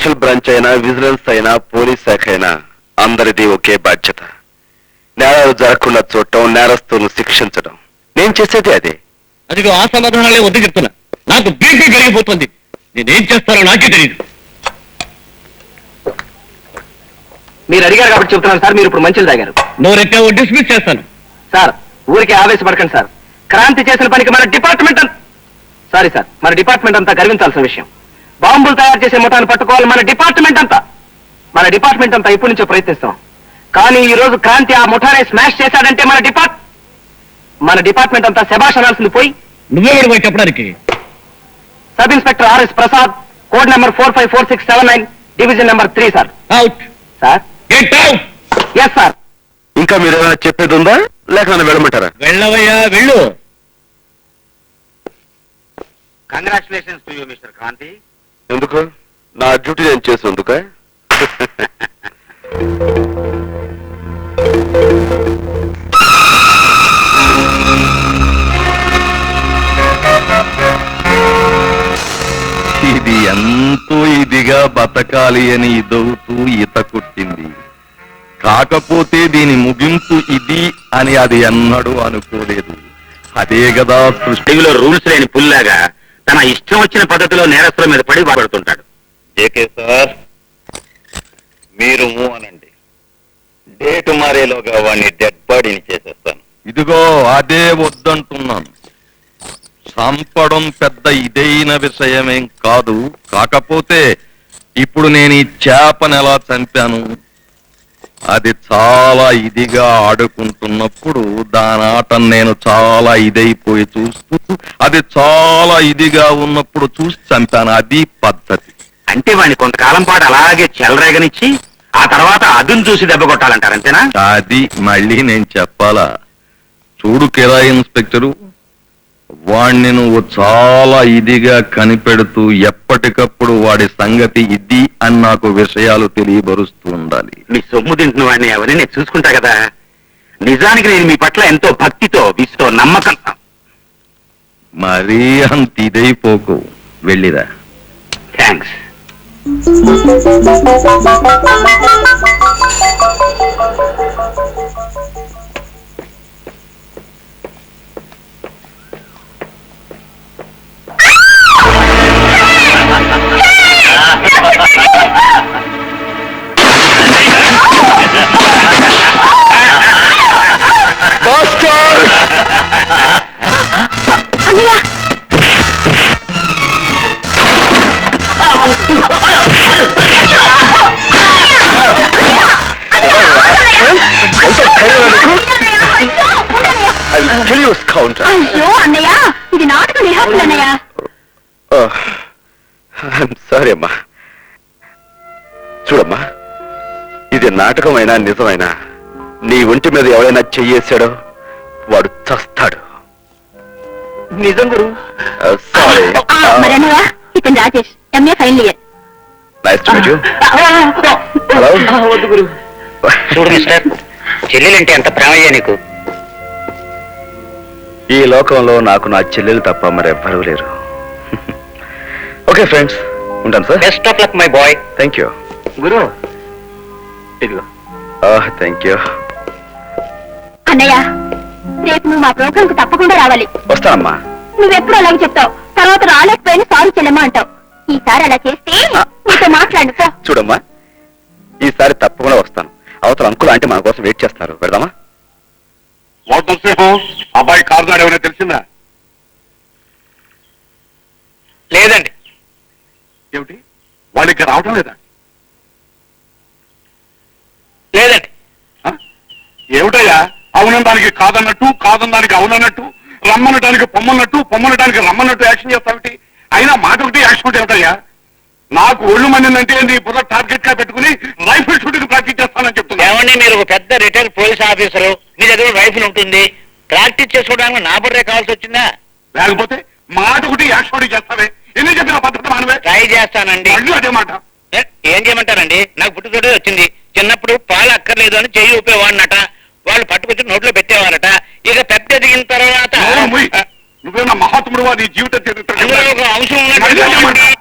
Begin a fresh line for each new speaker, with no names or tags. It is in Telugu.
స్పెషల్ బ్రాంచ్ అయినా, విజిలెన్స్ అయినా, పోలీస్ శాఖ అయినా అందరిది ఒకే బాధ్యత. నేరాలు జరగకుండా చూడటం, నేరస్తులను శిక్షించడం. నేను చేసేది అదే.
అదిగో ఆ సమాధానాలే వద్దు చెప్తున్నా. నాకు బీపీ పెరిగిపోతుంది. నేనేం చేస్తానో నాకే తెలియదు.
మీరు అడిగారు కాబట్టి చెప్తున్నాను సార్. మీరు ఇప్పుడు మంచిలు తాగారు.
నువ్వు రెట్టావో డిస్మిస్ చేస్తాను.
సార్ ఊరికే ఆవేశపడకండి సార్. క్రాంతి చేసిన పనికి మన డిపార్ట్మెంట్ సారీ సార్, మన డిపార్ట్మెంట్ అంతా గర్వించాల్సిన విషయం. బాంబులు తయారు చేసే ముఠాన్ని పట్టుకోవాలి మన డిపార్ట్మెంట్ అంతా ఇప్పటి నుంచో ప్రయత్నిస్తాం. కానీ ఈ రోజు క్రాంతి ఆ ముఠానే స్మాష్ చేశాడంటే మన డిపార్ట్మెంట్ అంతా శభాష్ అనాల్సింది పోయి
నువ్వెవడు పోయి చెప్పడానికి?
Sub inspector RS Prasad, code number 454679, division number 3 sir.
Out
sir.
Get out.
Yes sir.
ఇంకా మీరు ఏమైనా చెప్పేది ఉందా, లేక నన్ను వెళ్ళమంటారా?
వెళ్ళవయ్యా, వెళ్ళు.
Congratulations to you mister Kranti.
ఎందుకు? నా డ్యూటీ నేను చేసేందుక?
ఇది ఎంతో ఇదిగా బతకాలి అని ఇదవుతూ ఈత కొట్టింది. కాకపోతే దీని ముగింపు ఇది అని అది ఎన్నడూ అనుకోలేదు. అదే కదా
సృష్టిలో రూల్స్ లేని పుల్లాగా తన ఇష్టం వచ్చిన పద్ధతిలో నేరస్తుల మీద పడి పడుతుంటాడు.
జేకే సార్, మీరు అనండి. డేట్ మారేలోగా వాడిని డెడ్ బాడీని చేసేస్తాను. ఇదిగో అదే వద్దంటున్నాను. చంపడం పెద్ద ఇదైన విషయమేం కాదు. కాకపోతే ఇప్పుడు నేను ఈ చేపను ఎలా చంపాను, అది చాలా ఇదిగా ఆడుకుంటున్నప్పుడు దాని ఆటను నేను చాలా ఇదైపోయి చూస్తూ, అది చాలా ఇదిగా ఉన్నప్పుడు చూసి చంపాను. అది పద్ధతి.
అంటే వాడిని కొంతకాలం పాటు అలాగే చెలరేగనిచ్చి ఆ తర్వాత అదును చూసి దెబ్బ కొట్టాలంటారు, అంతేనా?
అది మళ్ళీ నేను చెప్పాలా? చూడు కిరాయి ఇన్స్పెక్టరు, వాణ్ణి నువ్వు చాలా ఇదిగా కనిపెడుతూ ఎప్పటికప్పుడు వాడి సంగతి ఇది అని నాకు విషయాలు తెలియబరుస్తూ ఉండాలి.
మీ సొమ్ము తింటున్న వాడిని అవన్నీ నేను చూసుకుంటా కదా. నిజానికి నేను మీ పట్ల ఎంతో భక్తితో, విసుతో, నమ్మకం.
మరీ అంత ఇదైపోకు. వెళ్ళిరా.
థ్యాంక్స్.
అయ్యో అన్నయ్య, ఇది నాటక రిహార్సల్ అన్నయ్య.
సారీ అమ్మా. చూడమ్మా, ఇది నాటకమైనా నిజమైనా నీ ఒంటి మీద ఎవరైనా చెయ్యేశాడో వాడు చస్తాడు.
నిజం గురు.
సారీ.
మరి అన్నయ్య, ఇతను Rajesh, MA final year.
Nice to meet you. Hello.
వద్దు గురు.
చూడు మిస్టర్, చెల్లెలంటే ఎంత ప్రేమయ్యా నీకు.
ఈ లోకంలో నాకు నా చెల్లెలు తప్ప మరెవ్వరూ లేరు. ఓకే ఫ్రెండ్స్, ఉంటాను sir.
Best of luck my boy.
Thank you
గురు ఇదిగో.
Thank you.
అన్నయ్య, రేపు నువ్వు మా ప్రోగ్రామ్ కు తప్పకుండా రావాలి.
వస్తానమ్మా.
నువ్వెప్పుడు అలాగే చెప్తావు, తర్వాత రాలేకపోయినా సారీ చెల్లెమ్మా అంటావు. ఈసారి అలా చేస్తే నీతో మాట్లాడు.
చూడమ్మా, ఈసారి తప్పకుండా వస్తాను. అవతల అంకుల్ అంటే మన కోసం వెయిట్ చేస్తున్నారు. పెడదామా?
అబ్బాయి కారు నాడు ఏమైనా తెలిసిందా?
లేదండి.
ఏమిటి, వాళ్ళు ఇక్కడ రావటం లేదా?
లేదండి.
ఏమిటయ్యా, అవునడానికి కాదన్నట్టు, కాదనడానికి అవునన్నట్టు, రమ్మనటానికి పొమ్మన్నట్టు, పొమ్మనటానికి రమ్మన్నట్టు యాక్షన్ చేస్తావిటి? అయినా మాట ఒకటి యాక్షన్ ఒకటి ఏమిటయ్యా? నాకు ఒళ్ళు మందిందంటే నీ బుర్ర టార్గెట్ గా పెట్టుకుని రైఫిల్ షూటింగ్ ప్రాక్టీస్ చేస్తానని చెప్తున్నా.
ఏమండి, మీరు ఒక పెద్ద రిటైర్డ్ పోలీస్ ఆఫీసరు, మీ దగ్గర రైఫిల్ ఉంటుంది, ప్రాక్టీస్ చేసుకోవడానికి నా బుర్రే కావాల్సి వచ్చిందా?
లేకపోతే మాట ఒకటి యాక్షన్ ఒకటి చేస్తావే. ఎన్ని చెప్పిన పద్ధతి మానవే.
ట్రై చేస్తానండి.
మళ్ళీ అదే మాట.
ఏం చేయమంటారండి? నాకు పుట్టుతోటే వచ్చింది. చిన్నప్పుడు పాలు అక్కర్లేదు అని చెయ్యి ఊపేవాడినట, వాళ్ళు పట్టుకొచ్చి నోట్లో పెట్టేవారట. ఇక పెద్ద ఎదిగిన తర్వాత
నువ్వేనా మహాత్ముడు నీ జీవిత చరిత్ర
అందులో ఒక అంశం ఉన్నట్టు